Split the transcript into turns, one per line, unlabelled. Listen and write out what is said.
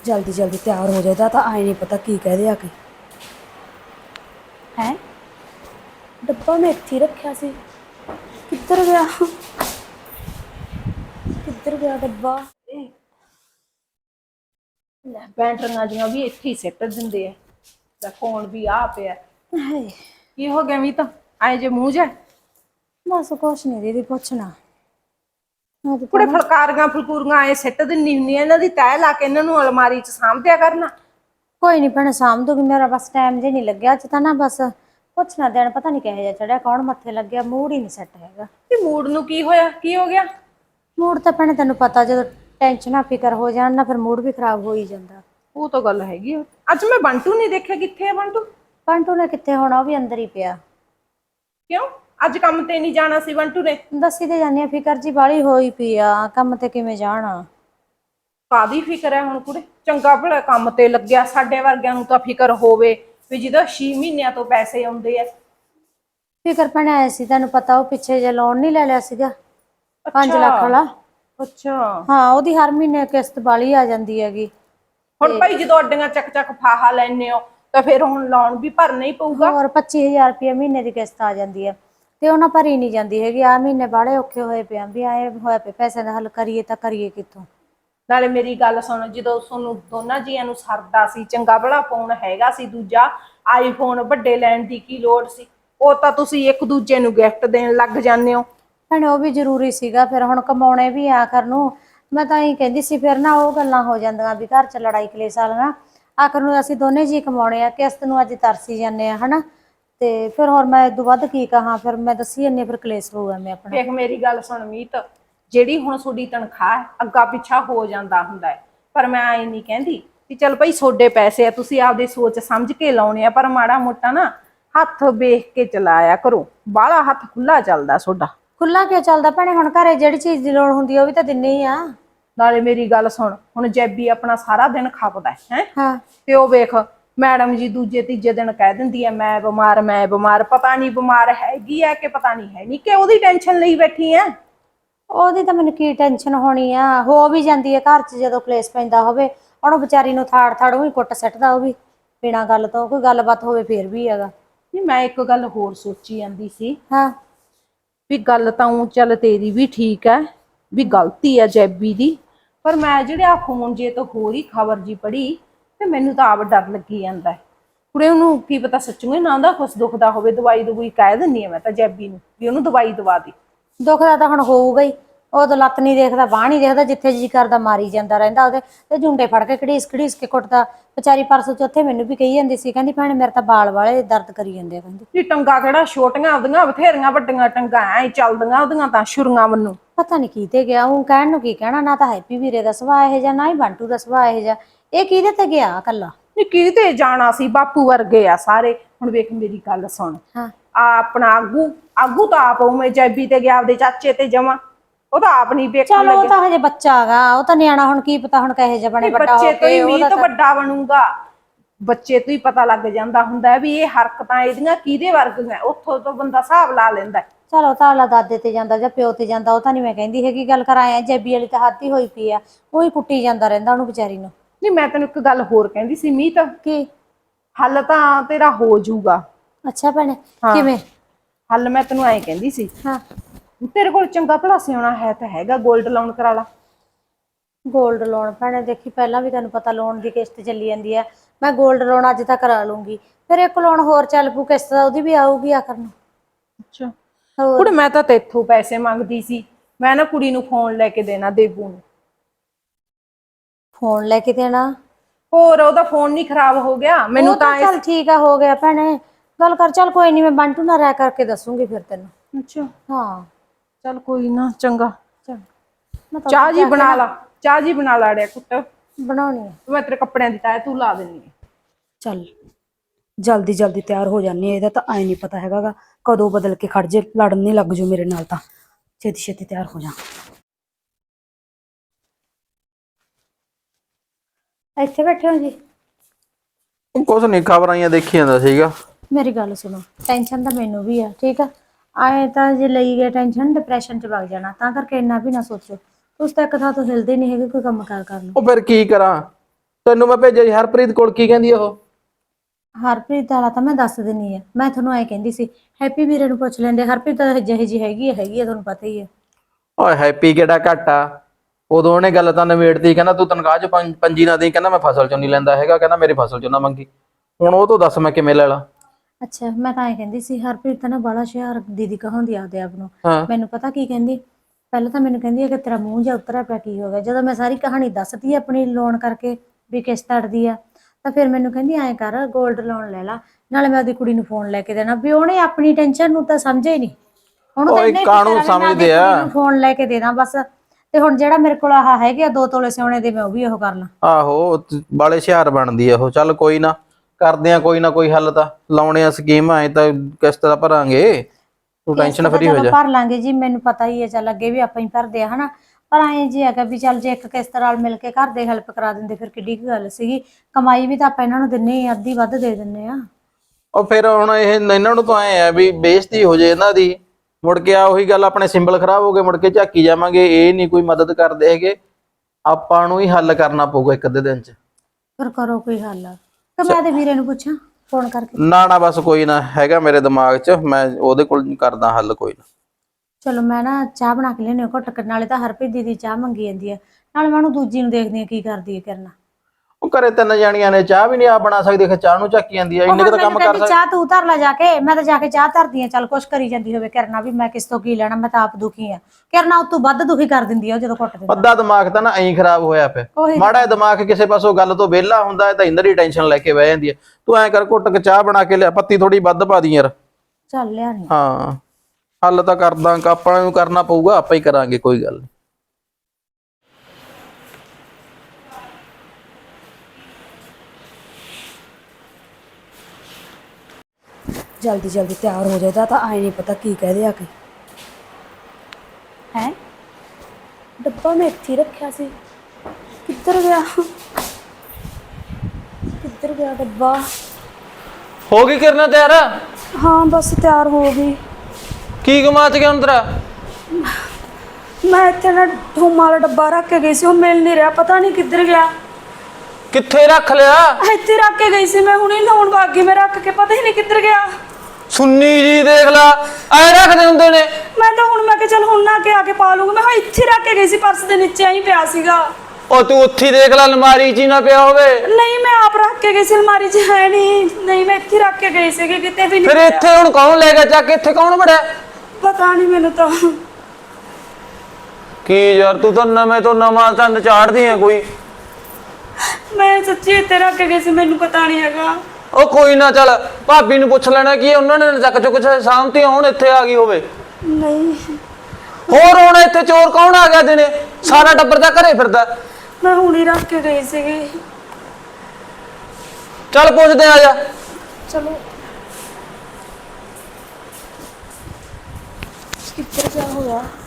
जल्दी जल्दी तैयार हो जाता तो आए नहीं पता की कह दे आके है डब्बा मैं इत्थे रखा सी किधर गया किधर गया डब्बा
ਲੈ ਬੈਟਰੀਆਂ ਜੀਆਂ ਵੀ ਇੱਥੇ ਹੀ ਸਿੱਟ ਦਿੰਦੇ ਆ। ਲੈ ਫੋਨ ਵੀ ਆ ਪਿਆ।
है
ਕੀ ਹੋ ਗਿਆ ਵੀ ਤਾਂ ਆਏ ਜੇ ਮੂੰਹ ਜਾ
बस कुछ नहीं दीदी पूछना
ਕੁੜੇ ਫਲਕਾਰੀਆਂ ਫਲਕੂਰੀਆਂ ਆਏ ਸਿੱਟ ਦਿੰਨੀ ਹੁੰਨੀ ਆ। ਇਹਨਾਂ ਦੀ ਤਹਿ ਲਾ ਕੇ ਇਹਨਾਂ ਨੂੰ ਅਲਮਾਰੀ 'ਚ ਸਾਂਭ ਦਿਆ ਕਰਨਾ।
कोई नहीं भैने शाम दूंगी मेरा बस टाइम जे नहीं लग्या अज तो ना बस पुछना दिन पता नहीं कहे जा चढ़िया कौन मत्थे लग गया मूड ही नहीं सैट हैगा
ਤੇ ਮੂਡ ਨੂੰ ਕੀ ਹੋਇਆ ਕੀ ਹੋ ਗਿਆ?
मूड तो भैने तेन पता जो टेंशन फिकर हो जान ना फिर मूड भी खराब हो ही जाता।
ਉਹ ਤਾਂ ਗੱਲ ਹੈਗੀ ਆ। ਅੱਜ ਮੈਂ ਬੰਟੂ ਨਹੀਂ ਦੇਖਿਆ ਕਿੱਥੇ ਆ ਬੰਟੂ?
पंटू ने कितने होना भी अंदर ही पिया
ਕਿਉਂ ਅੱਜ ਕੰਮ ਤੇ ਨਹੀਂ ਜਾਣਾ ਸੀ ਬੰਟੂ ਨੇ?
दसी तो जानी फिकर जी बाली हो ही पी आ कम ते किवें जाना
ਕਾਦੀ ਫਿਕਰ ਹੈ ਹੁਣ ਕੁੜੇ? ਚੰਗਾ ਭਲਾ ਕੰਮ ਤੇ ਲੱਗਿਆ। ਸਾਡੇ ਵਰਗਿਆਂ ਨੂੰ ਤਾਂ ਫਿਕਰ ਹੋਵੇ ਵੀ ਜਿਹਦਾ 6 ਮਹੀਨਿਆਂ ਤੋਂ ਪੈਸੇ ਆਉਂਦੇ ਆ।
फिकर भैने आए सी तेन पता वो पिछे जे लोन नहीं ले लिया सीगा 5 लाख वाला।
ਅੱਛਾ
हाँ ओदी हर महीने किस्त बाली आ जाती हैगी
ਹੁਣ ਭਾਈ ਜਦੋਂ ਅੱਡੀਆਂ ਚੱਕ ਚੱਕ ਫਾਹਾ ਲੈਣੇ ਹੋ ਤਾਂ ਫਿਰ ਹੁਣ ਲੋਨ ਵੀ ਭਰਨਾ ਹੀ ਪਊਗਾ।
और 25,000 रुपये महीने की किस्त आ जाती है तो उन्हें भरी नहीं जाती हैगी आ महीने बाड़े औखे होए पे भी आए होए पे पैसे का हल करिए तो करिए कितों।
ਨਾਲੇ ਮੇਰੀ ਗੱਲ ਸੁਣ ਜਦੋਂ ਤੁਹਾਨੂੰ ਦੋਨਾਂ ਜੀਆਂ ਨੂੰ ਸਰਦਾ ਸੀ ਚੰਗਾ ਭਲਾ ਫੋਨ ਹੈਗਾ ਸੀ ਦੂਜਾ ਆਈਫੋਨ ਵੱਡੇ ਲੈਣ ਦੀ ਕੀ ਲੋੜ ਸੀ? ਉਹ ਤਾਂ ਤੁਸੀਂ ਇੱਕ ਦੂਜੇ ਨੂੰ ਗਿਫਟ ਦੇਣ ਲੱਗ ਜਾਂਦੇ ਹੋ।
ਭੈਣੇ ਉਹ ਵੀ ਜ਼ਰੂਰੀ ਸੀਗਾ ਫਿਰ ਹੁਣ ਕਮਾਉਣੇ ਵੀ ਆਖਰ ਨੂੰ ਮੈਂ ਤਾਂ ਹੀ ਕਹਿੰਦੀ ਸੀ ਫਿਰ ਨਾ ਉਹ ਗੱਲਾਂ ਹੋ ਜਾਂਦੀਆਂ ਵੀ ਘਰ 'ਚ ਲੜਾਈ ਕਲੇਸ਼ ਵਾਲੀਆਂ ਆਖਰ ਨੂੰ ਅਸੀਂ ਦੋਨੇ ਜੀ ਕਮਾਉਣੇ ਆ ਕਿਸ਼ਤ ਨੂੰ ਅੱਜ ਤਰਸੀ ਜਾਂਦੇ ਆ ਹਨਾ ਤੇ ਫਿਰ ਹੋਰ ਮੈਂ ਇਦੋਂ ਵੱਧ ਕੀ ਕਹਾਂ ਫਿਰ ਮੈਂ ਦੱਸੀ ਜਾਂਦੀ ਫਿਰ ਕਲੇਸ਼ ਹੋਊਗਾ ਮੈਂ ਆਪਣਾ।
ਦੇਖ ਮੇਰੀ ਗੱਲ ਸੁਣ ਮੀਤ ਜਿਹੜੀ ਹੁਣ ਤੁਹਾਡੀ ਤਨਖਾਹ ਅੱਗਾ ਪਿੱਛਾ ਹੋ ਜਾਂਦਾ ਹੁੰਦਾ ਹੈ ਪਰ ਮੈਂ ਐ ਨਹੀਂ ਕਹਿੰਦੀ ਕਿ ਚੱਲ ਭਾਈ ਤੁਹਾਡੇ ਪੈਸੇ ਆ ਤੁਸੀਂ ਆਪਦੀ ਸੋਚ ਸਮਝ ਕੇ ਲਾਉਣੇ ਆ ਪਰ ਮਾੜਾ ਮੋਟਾ ਨਾ ਹੱਥ ਵੇਖ ਕੇ ਚਲਾਇਆ ਕਰੋ। ਬਾਹਲਾ ਹੱਥ ਖੁੱਲਾ ਚੱਲਦਾ ਤੁਹਾਡਾ।
ਖੁੱਲਾ ਕਿਉਂ ਚੱਲਦਾ ਭੈਣੇ ਹੁਣ ਘਰੇ ਜਿਹੜੀ ਚੀਜ਼ ਦੀ ਲੋੜ ਹੁੰਦੀ ਉਹ ਵੀ ਤਾਂ ਦਿੰਨੇ ਹੀ ਆ।
ਨਾਲੇ ਮੇਰੀ ਗੱਲ ਸੁਣ ਹੁਣ ਜੈਬੀ ਆਪਣਾ ਸਾਰਾ ਦਿਨ ਖਪਦਾ ਹੈ
ਹਾਂ
ਤੇ ਉਹ ਵੇਖ ਮੈਡਮ ਜੀ ਦੂਜੇ ਤੀਜੇ ਦਿਨ ਕਹਿ ਦਿੰਦੀ ਹੈ ਮੈਂ ਬਿਮਾਰ ਪਤਾ ਨਹੀਂ ਬਿਮਾਰ ਹੈਗੀ ਆ ਕਿ ਪਤਾ ਨਹੀਂ ਹੈ ਨਹੀਂ ਕਿ ਉਹਦੀ ਟੈਨਸ਼ਨ ਲਈ ਬੈਠੀ ਆ।
ਉਹਦੀ ਤਾਂ ਮੈਨੂੰ ਕੀ ਟੈਨਸ਼ਨ ਹੋਣੀ ਆ ਹੋ ਵੀ ਜਾਂਦੀ ਹੈ ਘਰ 'ਚ ਜਦੋਂ ਕਲੇਸ਼ ਪੈਂਦਾ ਹੋਵੇ ਉਹਨੂੰ ਵਿਚਾਰੀ ਨੂੰ ਥਾੜ ਉਹੀ ਕੁੱਟ ਸੱਟਦਾ ਉਹ ਵੀ ਬਿਨਾਂ ਗੱਲ ਤੋਂ ਕੋਈ ਗੱਲਬਾਤ ਹੋਵੇ ਫਿਰ ਵੀ ਹੈਗਾ।
ਨਹੀਂ ਮੈਂ ਇੱਕ ਗੱਲ ਹੋਰ ਸੋਚੀ ਜਾਂਦੀ ਸੀ
ਹਾਂ
ਵੀ ਗੱਲ ਤਾਂ ਉਹ ਚੱਲ ਤੇਰੀ ਵੀ ਠੀਕ ਹੈ ਵੀ ਗਲਤੀ ਹੈ ਜੈਬੀ ਦੀ ਪਰ ਮੈਂ ਜਿਹੜਾ ਫੋਨ ਜੇ ਤੋਂ ਹੋਰ ਹੀ ਖਬਰ ਜੀ ਪੜੀ ਤੇ ਮੈਨੂੰ ਤਾਂ ਆਪ ਡਰ ਲੱਗੀ ਜਾਂਦਾ ਹੈ। ਕੁੜੇ ਉਹਨੂੰ ਕੀ ਪਤਾ ਸੱਚੂਏ ਨਾ ਦਾ ਕੁਛ ਦੁਖਦਾ ਹੋਵੇ ਦਵਾਈ ਦਵਾਈ ਕਹਿ ਦਿੰਦੀ ਆ ਮੈਂ ਤਾਂ ਜੈਬੀ ਨੂੰ ਵੀ ਉਹਨੂੰ ਦਵਾਈ ਦਵਾ ਦੇ।
ਦੁੱਖ ਦਾ ਤਾਂ ਹੁਣ ਹੋਊਗਾ ਹੀ ਉਹ ਤਾਂ ਲੱਤ ਨਹੀਂ ਦੇਖਦਾ ਬਾਂਹ ਨਹੀਂ ਦੇਖਦਾ ਜਿੱਥੇ ਜੀ ਕਰਦਾ ਮਾਰੀ ਜਾਂਦਾ ਰਹਿੰਦਾ ਉਹਦੇ ਤੇ ਜੁੰਡੇ ਫੜ ਕੇ ਘੜੀਸ ਕੇ ਕੁੱਟਦਾ ਵਿਚਾਰੀ ਪਰਸੋਂ ਚੌਥੇ ਮੈਨੂੰ ਵੀ ਕਹੀ ਜਾਂਦੀ ਸੀ ਕਹਿੰਦੀ ਭੈਣੇ ਮੇਰੇ ਤਾਂ ਬਾਲ ਵਾਲੇ ਦਰਦ ਕਰੀ ਜਾਂਦੇ ਆ ਕਹਿੰਦੀ।
ਵੀ ਟੰਗਾ ਕਿਹੜਾ ਛੋਟੀਆਂ ਉਹਦੀਆਂ ਬਥੇਰੀਆਂ ਵੱਡੀਆਂ ਟੰਗਾ ਐ ਚੱਲਦੀਆਂ ਉਹਦੀਆਂ ਤਾਂ ਛੁਰੀਆਂ ਮੈਨੂੰ
ਪਤਾ ਨਹੀਂ ਕੀਤੇ ਗਿਆ ਉਹ ਕਹਿਣ ਨੂੰ ਕੀ ਕਹਿਣਾ ਨਾ ਤਾਂ ਹੈਪੀ ਵੀਰੇ ਦਾ ਸੁਭਾਅ ਇਹ ਜਾਂ ਨਾ ਹੀ ਬੰਟੂ ਦਾ ਸੁਭਾਅ ਇਹ ਜਾਂ ਇਹ ਕਿਹਦੇ ਤੇ ਗਿਆ ਕੱਲਾ।
ਨੀ ਕਿਤੇ ਜਾਣਾ ਸੀ ਬਾਪੂ ਵਰਗੇ ਆ ਸਾਰੇ। ਹੁਣ ਵੇਖ ਮੇਰੀ ਗੱਲ ਸੁਣ
ਹਾਂ
ਆ ਆਪਣਾ ਆਗੂ ਤਾਂ ਆਪ ਉਵੇਂ ਜੈਬੀ ਤੇ ਗਿਆ ਆਪਦੇ ਚਾਚੇ ਤੇ ਜਮਾ ਉਹ ਤਾਂ ਆਪ ਨਹੀਂ ਵੇਖਣ
ਚਲ ਉਹ
ਲੱਗੇ।
ਤਾਂ ਹਜੇ ਬੱਚਾ ਹੈਗਾ ਉਹ ਤਾਂ ਨਿਆਣਾ ਹੁਣ ਕੀ ਪਤਾ ਹੁਣ ਕਹੇ ਜੇ ਬਣੇ ਵੱਡਾ
ਬੱਚੇ
ਹੋ
ਤੋਂ ਹੀ
ਕੇ
ਮੀਂਹ ਤੋਂ ਵੱਡਾ ਬਣੂਗਾ। ਬੱਚੇ ਤੋਂ ਹੀ ਪਤਾ ਲੱਗ ਜਾਂਦਾ ਹੁੰਦਾ ਹੈ ਵੀ ਇਹ ਹਰਕਤਾਂ ਇਹਦੀਆਂ ਕਿਹਦੇ ਵਰਗੀਆਂ ਉੱਥੋਂ ਤੋਂ ਬੰਦਾ ਹਿਸਾਬ ਲਾ ਲੈਂਦਾ।
ਚਲੋ ਤਾਂ ਅਲਾ ਦਾਦੇ ਤੇ ਜਾਂਦਾ ਜਾਂ ਪਿਓ ਤੇ ਜਾਂਦਾ ਉਹ ਤਾਂ ਨਹੀਂ ਮੈਂ ਕਹਿੰਦੀ ਹੈਗੀ ਗੱਲ ਕਰਾਇਆ ਜੈਬੀ ਵਾਲੀ ਤਾਂ ਹੱਦ ਹੀ ਹੋਈ ਪਈ ਆ ਉਹੀ ਕੁੱਟੀ ਜਾਂਦਾ ਰਹਿੰਦਾ ਉਹਨੂੰ ਵਿਚਾਰੀ ਨੂੰ।
ਨਹੀਂ ਮੈਂ ਤੈਨੂੰ ਇੱਕ ਗੱਲ ਹੋਰ ਕਹਿੰਦੀ ਸੀ ਮੀਤ
ਕੀ
ਹੱਲ ਤਾਂ ਤੇਰਾ ਹੋ ਜਾਊਗਾ।
ਅੱਛਾ ਭੈਣੇ ਕਿਵੇਂ?
ਹੱਲ ਮੈਂ ਤੈਨੂੰ ਐਂ ਕਹਿੰਦੀ ਸੀ
ਹਾਂ
ਤੇਰੇ ਕੋਲ ਚੰਗਾ ਭਲਾ ਸਿਆਣਾ ਹੈ ਤਾਂ ਹੈਗਾ ਗੋਲਡ ਲੋਨ ਕਰਾ ਲਾ।
ਗੋਲਡ ਲੋਨ ਭੈਣੇ ਦੇਖੀ ਪਹਿਲਾਂ ਵੀ ਤੈਨੂੰ ਪਤਾ ਲੋਨ ਦੀ ਕਿਸ਼ਤ ਚੱਲੀ ਜਾਂਦੀ ਹੈ ਮੈਂ ਗੋਲਡ ਲੋਨ ਅੱਜ ਤਾਂ ਕਰਾ ਲੂੰਗੀ ਫਿਰ ਇੱਕ ਲੋਨ ਹੋਰ ਚੱਲ ਪੂ ਕਿਸ਼ਤ ਉਹਦੀ ਵੀ ਆਊਗੀ ਆਖਰ ਨੂੰ।
ਅੱਛਾ
ਹੋਰ
ਕੁੜੇ ਮੈਂ ਤਾਂ ਤੇਥੋਂ ਪੈਸੇ ਮੰਗਦੀ ਸੀ ਮੈਂ ਨਾ ਕੁੜੀ ਨੂੰ ਫੋਨ ਲੈ ਕੇ ਦੇਣਾ ਦੇਬੂ ਨੂੰ।
ਫੋਨ ਲੈ ਕੇ ਦੇਣਾ?
ਹੋਰ ਉਹਦਾ ਫੋਨ ਨਹੀਂ ਖਰਾਬ ਹੋ ਗਿਆ ਮੈਨੂੰ
ਉਹ ਤਾਂ ਚੱਲ ਠੀਕ ਆ ਹੋ ਗਿਆ ਭੈਣੇ ਗੱਲ ਕਰ ਚੱਲ ਕੋਈ ਨਹੀਂ ਮੈਂ ਬੰਟੂ ਨਾਲ ਰਹਿ ਕਰਕੇ ਦੱਸੂਗੀ ਫਿਰ ਤੈਨੂੰ।
ਅੱਛਾ
ਹਾਂ
ਚੱਲ ਕੋਈ ਨਾ ਚੰਗਾ
ਚਲ ਮੈਂ ਤਾਂ
ਚਾਹ ਜੀ ਬਣਾ ਲਾ ਅੜਿਆ ਕੁੱਟ
ਬਣਾਉਣੀ ਹੈ।
ਮੈਂ ਤੇਰੇ ਕੱਪੜਿਆਂ ਦੀ ਤੈਅ ਤੂੰ ਲਾ ਦਿੰਨੀ ਹੈ।
चल जल्दी जल्दी तैयार हो जानी है तो आए नहीं पता हैगा कदों बदल के खड़ जे लड़न नहीं लग जो मेरे नाल तां छेती छेती तैयार हो जा। ਇੱਥੇ बैठे हो जी?
ਕੁਛ ਨਹੀਂ ਖਬਰਾਂ ਆਈਆਂ ਦੇਖੀ ਜਾਂਦਾ ਸੀਗਾ।
मेरी गल सुनो टेंशन तो मैनू भी है ठीक है आए तो जे लई गए टेंशन डिप्रैशन च वग जाना तां करके इन्ना भी ना सोचो तुस तो एक थां तो हिलदे नहीं है कोई कम कार कर लो।
ਉਹ ਫਿਰ ਕੀ ਕਰਾਂ ਤੈਨੂੰ ਮੈਂ ਭੇਜਿਆ ਸੀ ਹਰਪ੍ਰੀਤ ਕੋਲ, ਕੀ ਕਹਿੰਦੀ ਉਹ?
ਹਰਪ੍ਰੀਤ ਵਾਲਾ ਤਾਂ ਮੈਂ ਦੱਸ ਦਿੰਨੀ ਆ, ਮੈਂ ਤੁਹਾਨੂੰ ਐ ਕਹਿੰਦੀ ਸੀ ਹੈਪੀ ਵੀਰੇ ਨੂੰ ਪੁੱਛ ਲੈਂਦੇ, ਹਰਪ੍ਰੀਤ ਤਾਂ ਜਿਹੇ ਜੀ ਹੈਗੀ ਆ ਤੁਹਾਨੂੰ ਪਤਾ ਹੀ ਆ।
ਓਏ ਹੈਪੀ ਕਿਹੜਾ ਘੱਟ ਆ, ਉਦੋਂ ਉਹਨੇ ਗੱਲ ਤਾਂ ਨਿਬੇੜਤੀ, ਕਹਿੰਦਾ ਤੂੰ ਤਨਖਾਹ ਚ ਪੰਜੀ ਨਾ ਦੇਈਂ, ਕਹਿੰਦਾ ਮੈਂ ਫਸਲ ਚੋਂ ਨਹੀਂ ਲੈਂਦਾ ਹੈਗਾ, ਕਹਿੰਦਾ ਮੇਰੀ ਫਸਲ ਚੋਂ ਨਾ ਮੰਗੀ। ਹੁਣ ਉਹ ਤੋਂ ਦੱਸ ਮੈਂ ਕਿਵੇਂ ਲੈ ਲਾਂ?
ਅੱਛਾ ਮੈਂ ਤਾਂ ਐ ਕਹਿੰਦੀ ਸੀ ਹਰਪ੍ਰੀਤ ਤਾਂ ਨਾ ਬੜਾ ਹੁਸ਼ਿਆਰ ਦੀਦੀ ਕਹਾਉਂਦੀ ਆਪਦੇ ਆਪ ਨੂੰ।
ਹਾਂ
ਮੈਨੂੰ ਪਤਾ ਕੀ ਕਹਿੰਦੀ, ਪਹਿਲਾਂ ਤਾਂ ਮੈਨੂੰ ਕਹਿੰਦੀ ਹੈ ਕਿ ਤੇਰਾ ਮੂੰਹ ਜਿਹਾ ਉਤਰਿਆ ਪਿਆ ਕੀ ਹੋ ਗਿਆ, ਜਦੋਂ ਮੈਂ ਸਾਰੀ ਕਹਾਣੀ ਦੱਸਤੀ ਆਪਣੀ ਲੋਨ ਕਰਕੇ ਵੀ ਕਿਸ਼ਤ ਅੜਦੀ ਆ, ਤਾਂ ਫਿਰ ਮੈਨੂੰ ਕਹਿੰਦੀ ਐਂ ਕਰ 골ਡ ਲੋਨ ਲੈ ਲਾ, ਨਾਲੇ ਮੈਂ ਉਹਦੀ ਕੁੜੀ ਨੂੰ ਫੋਨ ਲੈ ਕੇ ਦੇਣਾ। ਵੀ ਉਹਨੇ ਆਪਣੀ ਟੈਨਸ਼ਨ ਨੂੰ ਤਾਂ ਸਮਝੇ ਹੀ ਨਹੀਂ, ਉਹਨੂੰ ਤਾਂ
ਓਏ
ਇੰਨੇ
ਕਾਹਨੂੰ ਸਮਝਦੇ ਆ।
ਕੁੜੀ ਨੂੰ ਫੋਨ ਲੈ ਕੇ ਦੇ ਦਾਂ ਬਸ। ਤੇ ਹੁਣ ਜਿਹੜਾ ਮੇਰੇ ਕੋਲ ਆਹ ਹੈਗੇ ਆ 2 ਤੋਲੇ ਸੋਨੇ ਦੇ, ਮੈਂ ਉਹ ਵੀ ਉਹ ਕਰ ਲਾਂ।
ਆਹੋ ਬਾਲੇ ਹੁਸ਼ਿਆਰ ਬਣਦੀ ਆ ਉਹ। ਚੱਲ ਕੋਈ ਨਾ, ਕਰਦੇ ਆ ਕੋਈ ਨਾ ਕੋਈ ਹੱਲ, ਤਾਂ ਲਾਉਣੇ ਆ ਸਕੀਮ, ਐ ਤਾਂ ਕਿਸ਼ਤ ਦਾ ਭਰਾਂਗੇ, ਤੂੰ ਟੈਨਸ਼ਨ ਫਰੀ ਹੋ
ਚਲੋ
ਜਾ।
ਭਰ ਲਾਂਗੇ ਜੀ, ਮੈਨੂੰ ਪਤਾ ਹੀ ਹੈ, ਚੱਲ ਅੱਗੇ ਵੀ ਆਪਾਂ ਹੀ ਭਰਦੇ ਆ ਹਨਾ। ਪਰ ਐਂ ਜੀ ਹੈਗਾ ਵੀ ਚੱਲ ਜੇ ਇੱਕ ਕਿਸ਼ਤ ਨਾਲ ਮਿਲ ਕੇ ਘਰ ਦੇ ਹੈਲਪ ਕਰਾ ਦਿੰਦੇ ਫਿਰ ਕਿੱਡੀ ਕੁ ਗੱਲ ਸੀਗੀ। ਕਮਾਈ ਵੀ ਤਾਂ ਆਪਾਂ ਇਹਨਾਂ ਨੂੰ ਦਿੰਨੇ ਆ, ਅੱਧੀ ਵੱਧ ਦੇ ਦਿੰਨੇ ਆ।
ਉਹ ਫਿਰ ਹੁਣ ਇਹਨਾਂ ਨੂੰ ਤਾਂ ਐ ਆ ਵੀ ਬੇਇੱਜ਼ਤੀ ਹੋ ਜੇ ਇਹਨਾਂ ਦੀ, ਮੁੜ ਕੇ ਆ ਉਹੀ ਗੱਲ, ਆਪਣੇ ਸਿੰਬਲ ਖਰਾਬ ਹੋ ਗਏ, ਮੁੜ ਕੇ ਝਾਕੀ ਜਾਵਾਂਗੇ। ਇਹ ਨਹੀਂ ਕੋਈ ਮਦਦ ਕਰਦੇ ਹੈਗੇ, ਆਪਾਂ ਨੂੰ ਹੀ ਹੱਲ ਕਰਨਾ ਪਊਗਾ ਇੱਕ ਅੱਧੇ ਦਿਨ ਚ।
ਫਿਰ ਕਰੋ ਕੋਈ ਹੱਲ, ਤੇ ਮੈਂ ਤੇ ਵੀਰੇ ਨੂੰ ਪੁੱਛਾਂ ਫੋਨ ਕਰਕੇ।
ਨਾ ਬਸ ਕੋਈ ਨਾ, ਹੈਗਾ ਮੇਰੇ ਦਿਮਾਗ 'ਚ, ਮੈਂ ਉਹਦੇ ਕੋਲ ਕਰਦਾ ਹੱਲ ਕੋਈ ਨਾ।
ਚਲੋ ਮੈਂ ਨਾ ਚਾਹ ਬਣਾ ਕੇ ਲਿਆਉਣੀ ਘੁੱਟ ਕੇ, ਨਾਲੇ ਤਾਂ ਹਰਪ੍ਰੀਤ ਦੀਦੀ ਚਾਹ ਮੰਗੀ ਜਾਂਦੀ ਆ, ਨਾਲੇ ਮੈਂ ਉਹਨੂੰ ਦੂਜੀ ਨੂੰ ਦੇਖਦੀ ਆ ਕੀ ਕਰਦੀ ਹੈ ਕਰਨਾ।
ਉਹ ਘਰੇ 3 ਜਾਣੀਆਂ ਨੇ, ਚਾਹ ਵੀ ਨਹੀਂ ਆਪ ਬਣਾ ਸਕਦੀ, ਫਿਰ ਚਾਹ ਨੂੰ ਝਾਕੀ ਜਾਂਦੀ ਆ। ਇੰਨੇ ਕੁ ਤਾਂ ਕੰਮ ਕਰ ਸਕਦੀ।
ਚਾਹ ਤੂੰ ਧਰ ਲੈ ਜਾ ਕੇ, ਮੈਂ ਤਾਂ ਜਾ ਕੇ ਚਾਹ ਧਰਦੀ ਆ। ਚੱਲ ਕੁਛ ਕਰੀ ਜਾਂਦੀ ਹੋਵੇ ਕਰਨਾ ਵੀ, ਮੈਂ ਕਿਸ ਤੋਂ ਕੀ ਲੈਣਾ, ਮੈਂ ਤਾਂ ਆਪ ਦੁਖੀ ਆ। ਕਰਨਾ ਉਤੋਂ ਵੱਧ ਦੁਖੀ ਕਰ ਦਿੰਦੀ ਆ ਉਹ ਜਦੋਂ ਘੁੱਟ ਦਿੰਦਾ।
ਅੱਧਾ ਦਿਮਾਗ ਤਾਂ ਨਾ ਐਂ ਖਰਾਬ ਹੋਇਆ ਪਿਆ, ਮਾੜਾ ਜਿਹਾ ਦਿਮਾਗ ਕਿਸੇ ਪਾਸੋਂ ਗੱਲ ਤੋਂ ਵਿਹਲਾ ਹੁੰਦਾ ਤਾਂ ਇੰਦਰ ਹੀ ਟੈਨਸ਼ਨ ਲੈ ਕੇ ਬਹਿ ਜਾਂਦੀ ਹੈ। ਤੂੰ ਐਂ ਕਰ, ਘੁੱਟ ਕੇ ਚਾਹ ਬਣਾ ਕੇ ਲਿਆ, ਪੱਤੀ ਥੋੜੀ ਵੱਧ ਪਾ ਦੀ ਯਾਰ।
ਚੱਲ ਲਿਆ ਨੀ।
ਹਾਂ ਹੱਲ ਤਾਂ ਕਰਦਾ, ਆਪਾਂ ਨੂੰ ਕਰਨਾ ਪਊਗਾ, ਆਪਾਂ ਹੀ ਕਰਾਂਗੇ, ਕੋਈ ਗੱਲ ਨਹੀਂ।
ਜਲਦੀ ਜਲਦੀ ਤਿਆਰ ਹੋ ਜਾਏਦਾ ਤਾਂ ਆਏ ਨਹੀਂ ਪਤਾ ਕੀ ਕਹਦੇ ਆ ਕੇ। ਹੈ ਡੱਬਾ ਮੈਂ ਇੱਥੇ ਹੀ ਰੱਖਿਆ ਸੀ, ਕਿੱਧਰ ਗਿਆ? ਕਿੱਧਰ ਗਿਆ ਡੱਬਾ?
ਹੋ ਗਈ ਕਰਨਾ ਤਿਆਰ?
ਹਾਂ ਬਸ ਤਿਆਰ ਹੋ ਗਈ।
ਕੀ ਗਮਾਚ ਗਿਆ ਹੁਣ ਤੇਰਾ?
ਮੈਂ ਇੱਥੇ ਨਾ ਥੋਮਾ ਵਾਲਾ ਡੱਬਾ ਰੱਖ ਕੇ ਗਈ ਸੀ, ਉਹ ਮਿਲ ਨਹੀਂ ਰਿਹਾ, ਪਤਾ ਨਹੀਂ ਕਿੱਧਰ ਗਿਆ।
ਕਿੱਥੇ ਰੱਖ ਲਿਆ?
ਇੱਥੇ ਰੱਖ ਕੇ ਗਈ ਸੀ ਮੈਂ, ਹੁਣੇ ਨਹਾਉਣ ਵਗ ਗਈ, ਮੈਂ ਰੱਖ ਕੇ ਪਤਾ ਹੀ ਨਹੀਂ ਕਿੱਧਰ ਗਿਆ।
ਸੁੰਨੀ ਜੀ ਦੇਖ ਲਾ, ਐ ਰੱਖਦੇ ਹੁੰਦੇ ਨੇ।
ਮੈਂ ਤਾਂ ਹੁਣ ਮੈਂ ਕਿਹਾ ਚੱਲ ਹੁਣ ਨਾ ਕੇ ਆ ਕੇ ਪਾ ਲੂੰਗੀ, ਮੈਂ ਇੱਥੇ ਰੱਖ ਕੇ ਗਈ ਸੀ, ਪਰਸ ਦੇ ਨੀਚੇ ਹੀ ਪਿਆ ਸੀਗਾ।
ਉਹ ਤੂੰ ਉੱਥੇ ਦੇਖ ਲੈ, ਅਲਮਾਰੀ 'ਚ ਹੀ ਨਾ ਪਿਆ ਹੋਵੇ।
ਨਹੀਂ ਮੈਂ ਆਪ ਰੱਖ ਕੇ ਗਈ ਸੀ, ਅਲਮਾਰੀ 'ਚ ਹੈ ਨਹੀਂ ਮੈਂ ਇੱਥੇ ਰੱਖ ਕੇ ਗਈ ਸੀਗੀ, ਕਿਤੇ ਵੀ ਨਹੀਂ।
ਫਿਰ ਇੱਥੇ ਹੁਣ ਕੌਣ ਲੈ ਗਿਆ ਚੱਕ ਕੇ? ਇੱਥੇ ਕੌਣ ਵੜਿਆ?
ਪਤਾ ਨਹੀਂ ਮੈਨੂੰ ਤਾਂ।
ਕੀ ਯਾਰ, ਤੂੰ ਤਾਂ ਨਵੇਂ ਤੋਂ ਨਵਾਂ ਚੰਦ ਚਾੜਦੀ ਐ ਕੋਈ।
ਮੈਂ ਸੱਚੀ ਇੱਥੇ ਰੱਖ ਕੇ ਗਈ ਸੀ, ਮੈਨੂੰ ਪਤਾ ਨਹੀਂ ਹੈਗਾ।
ਉਹ ਕੋਈ ਨਾ, ਚੱਲ ਭਾਬੀ ਨੂੰ ਪੁੱਛ ਲੈਣਾ ਕੀ ਉਹਨਾਂ ਨੇ ਚੱਕ ਚੁੱਕ ਸਾਹਮਣੇ ਹੁਣ ਇੱਥੇ ਆ ਗਈ ਹੋਵੇ।
ਨਹੀਂ
ਹੋਰ ਹੁਣ ਇੱਥੇ ਚੋਰ ਕੌਣ ਆ ਗਿਆ ਦਿਨੇ? ਸਾਰਾ ਟੱਬਰ ਤਾਂ ਘਰੇ ਫਿਰਦਾ।
ਮੈਂ ਹੁਣੀ ਰੱਖ ਕੇ ਗਈ ਸੀਗੀ।
ਚੱਲ ਪੁੱਛਦੇ ਆ ਜਾ।
ਚਲੋ ਕਿੱਧਰ ਗਿਆ ਹੋਇਆ?